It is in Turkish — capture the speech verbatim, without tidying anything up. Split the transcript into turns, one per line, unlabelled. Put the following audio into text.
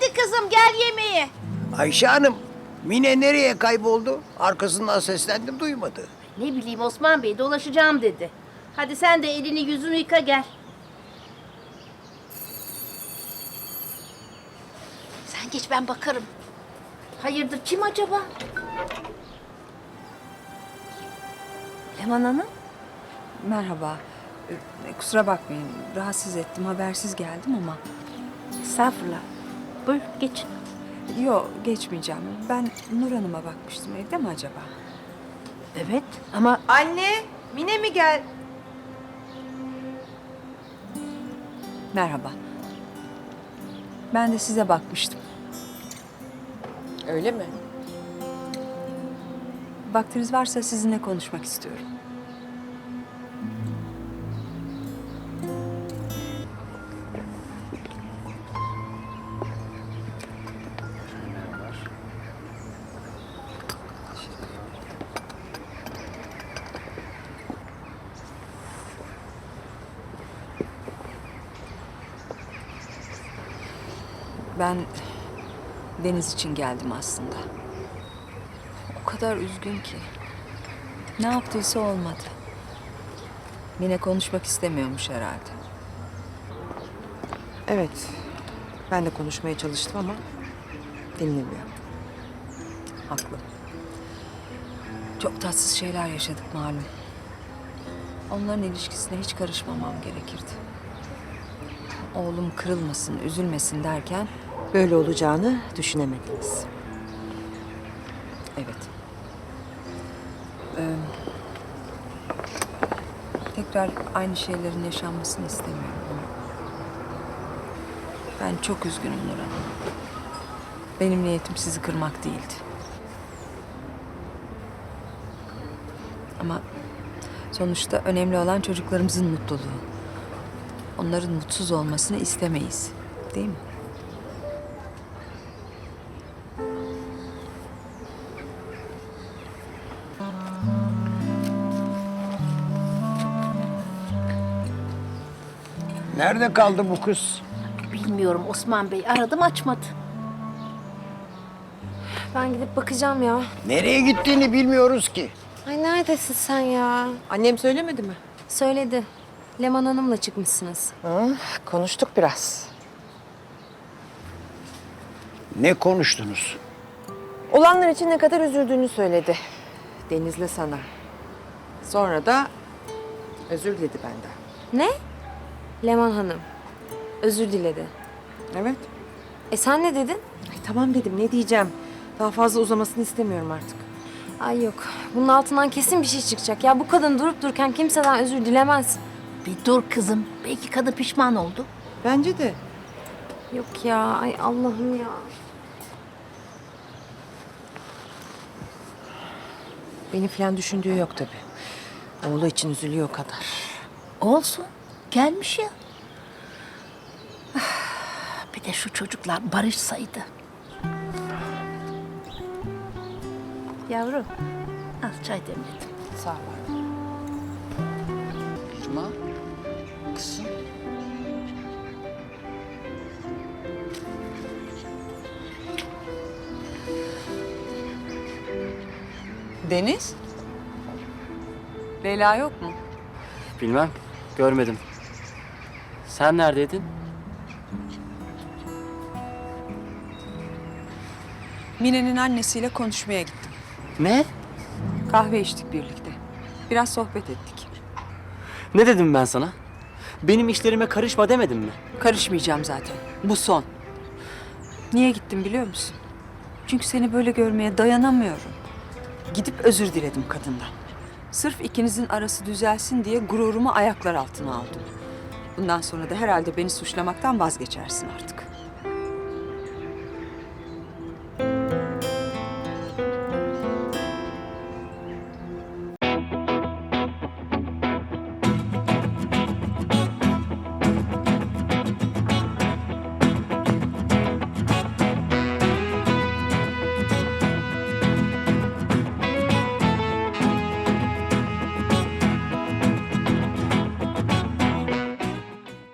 Hadi kızım gel yemeğe.
Ayşe Hanım, Mine nereye kayboldu? Arkasından seslendim, duymadı.
Ne bileyim Osman Bey dolaşacağım dedi. Hadi sen de elini yüzünü yıka gel. Sen geç ben bakarım. Hayırdır kim acaba? Leman Hanım?
Merhaba. Ee, kusura bakmayın. Rahatsız ettim. Habersiz geldim ama.
Estağfurullah. Buyur geç.
Yok geçmeyeceğim. Ben Nur Hanım'a bakmıştım. Evde mi acaba?
Evet ama
Anne! Mine mi gel? Merhaba. Ben de size bakmıştım.
Öyle mi?
Vaktiniz varsa sizinle konuşmak istiyorum. Ben Deniz için geldim aslında. O kadar üzgün ki. Ne yaptıysa olmadı. Mine konuşmak istemiyormuş herhalde.
Evet. Ben de konuşmaya çalıştım ama dinlemiyor.
Haklı. Çok tatsız şeyler yaşadık malum. Onların ilişkisine hiç karışmamam gerekirdi. Oğlum kırılmasın, üzülmesin derken
Böyle olacağını düşünemediniz.
evet. Ee, tekrar aynı şeylerin yaşanmasını istemiyorum ama ben çok üzgünüm Nur Hanım. Benim niyetim sizi kırmak değildi. Ama sonuçta önemli olan çocuklarımızın mutluluğu. Onların mutsuz olmasını istemeyiz. Değil mi?
Nerede kaldı bu kız?
bilmiyorum Osman Bey aradım açmadı.
Ben gidip bakacağım ya.
Nereye gittiğini bilmiyoruz ki.
Ay neredesin sen ya?
Annem söylemedi mi?
Söyledi. Leman Hanım'la çıkmışsınız.
Hı, konuştuk biraz.
Ne konuştunuz?
Olanlar için ne kadar üzüldüğünü söyledi. Deniz'le sana. Sonra da özür diledi benden.
Ne? Leman Hanım. Özür diledi.
Evet.
E sen ne dedin?
Ay, tamam dedim, ne diyeceğim. Daha fazla uzamasını istemiyorum artık.
Ay yok. Bunun altından kesin bir şey çıkacak. Ya bu kadın durup dururken kimseden özür dilemez.
Bir dur kızım. Belki kadın pişman oldu.
Bence de.
Yok ya. Ay Allah'ım ya.
Beni falan düşündüğü yok tabii. Oğlu için üzülüyor o kadar.
Olsun. Gelmiş ya. Ah, bir de şu çocuklar barışsaydı. Yavrum. Al çay demledim.
Sağ ol.
Cuma, kızım.
Deniz? Leyla yok mu?
Bilmem, görmedim. Sen neredeydin?
Mine'nin annesiyle konuşmaya gittim.
Ne?
Kahve içtik birlikte. Biraz sohbet ettik.
Ne dedim ben sana? Benim işlerime karışma demedim mi?
Karışmayacağım zaten. Bu son. Niye gittim biliyor musun? Çünkü seni böyle görmeye dayanamıyorum. Gidip özür diledim kadından. Sırf ikinizin arası düzelsin diye gururumu ayaklar altına aldım. Bundan sonra da herhalde beni suçlamaktan vazgeçersin artık.